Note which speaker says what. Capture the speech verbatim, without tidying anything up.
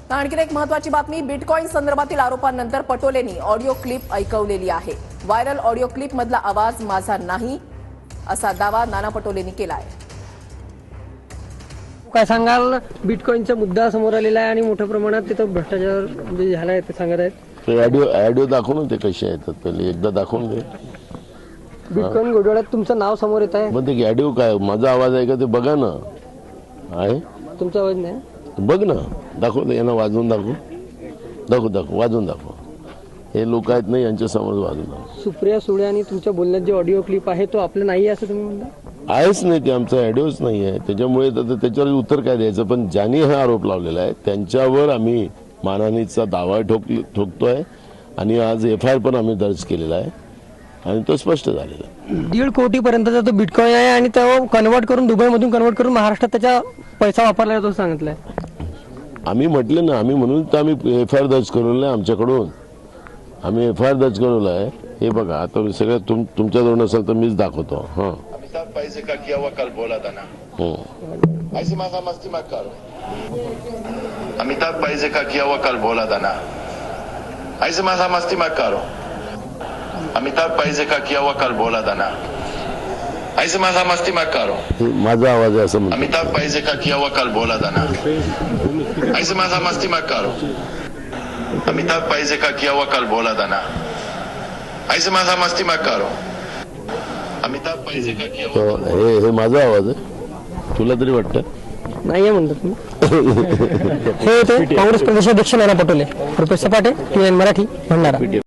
Speaker 1: आणखी एक महत्त्वाची बातमी, बिटकॉइन संदर्भातील आरोपांनंतर पटोलेंनी ऑडिओ क्लिप ऐकवलेली आहे। व्हायरल ऑडिओ क्लिप मधला आवाज माझा नाही असा दावा नाना पटोलेंनी केला आहे।
Speaker 2: काय सांगाल, बिटकॉइनचा मुद्दा समोर आलेला आहे आणि मोठ्या प्रमाणात तिथं भ्रष्टाचार म्हणजे झाला आहे ते सांगत आहेत।
Speaker 3: ते ऑडिओ ऑडिओ दाखवून ते कसे येतात पहिले एकदा दाखवून दे।
Speaker 2: बिटकॉइन घोटाळ्यात तुमचं नाव समोर येत आहे।
Speaker 3: मग ते ऑडिओ काय माझा आवाज आहे का ते बघा ना। आहे
Speaker 2: तुमचा आवाज नाही,
Speaker 3: बघ ना, दाखव यांना वाजवून दाखव दाखव दाखव वाजवून दाखव। हे लोक आहेत ना, यांच्या समोर वाजवून दाखव।
Speaker 2: सुप्रिया सुळे आणि तुमच्या बोलण्यात जे ऑडिओ क्लिप आहे तो आपलं नाही असं तुम्ही म्हणता?
Speaker 3: आहेच नाही, ते आमचा ऑडिओच नाही आहे, त्याच्यामुळे तर त्याच्यावर उत्तर काय द्यायचं। पण ज्यांनी हा आरोप लावलेला आहे त्यांच्यावर आम्ही मानहानीचा दावा ठोक ठोकतोय आणि आज एफ आय आर पण आम्ही दर्ज केलेला आहे आणि तो स्पष्ट झालेला आहे।
Speaker 2: दीड कोटी पर्यंतचा तो बिटकॉइन आहे आणि तो कन्वर्ट करून दुबईमधून कन्वर्ट करून महाराष्ट्रात त्याचा पैसा वापरला जातो सांगितलंय।
Speaker 3: आम्ही म्हटलं ना, आम्ही म्हणून तर आम्ही एफ आय आर दर्ज करवलं आहे आमच्याकडून, आम्ही एफ आय आर दर्ज करवलं आहे। हे बघा, आता सगळं तुम तुमच्याजवळ नसेल तर मीच दाखवतो। हां,
Speaker 4: अमिताभ पैसे का किया हुआ कल बोला था ना,
Speaker 3: हो
Speaker 4: ऐसे माथा मस्ती मत करो। अमिताभ पैसे का किया हुआ कल बोला था ना, ऐसे माथा मस्ती मत करो। अमिताभ पैसे का किया हुआ कल बोला था ना, ऐसे माथा मस्ती मत करो।
Speaker 3: हे माझा आवाज आहे असं म्हणतो।
Speaker 4: अमिताभ पैसे का किया हुआ कल बोला था ना, ऐसे माथा मस्ती मत करो। अमिताभ पैसे का किया हुआ कल बोला था ना, ऐसे माथा मस्ती मत करो। अमिताभ पैसे का किया हुआ
Speaker 3: तो हे हे माझा आवाज आहे, तुला तरी वाटतं?
Speaker 2: नाही म्हणतात तुम्ही। हे होते काँग्रेस प्रदेशाध्यक्ष नाना पटोले। रुपेश सपाटे, टी एन मराठी, भंडारा।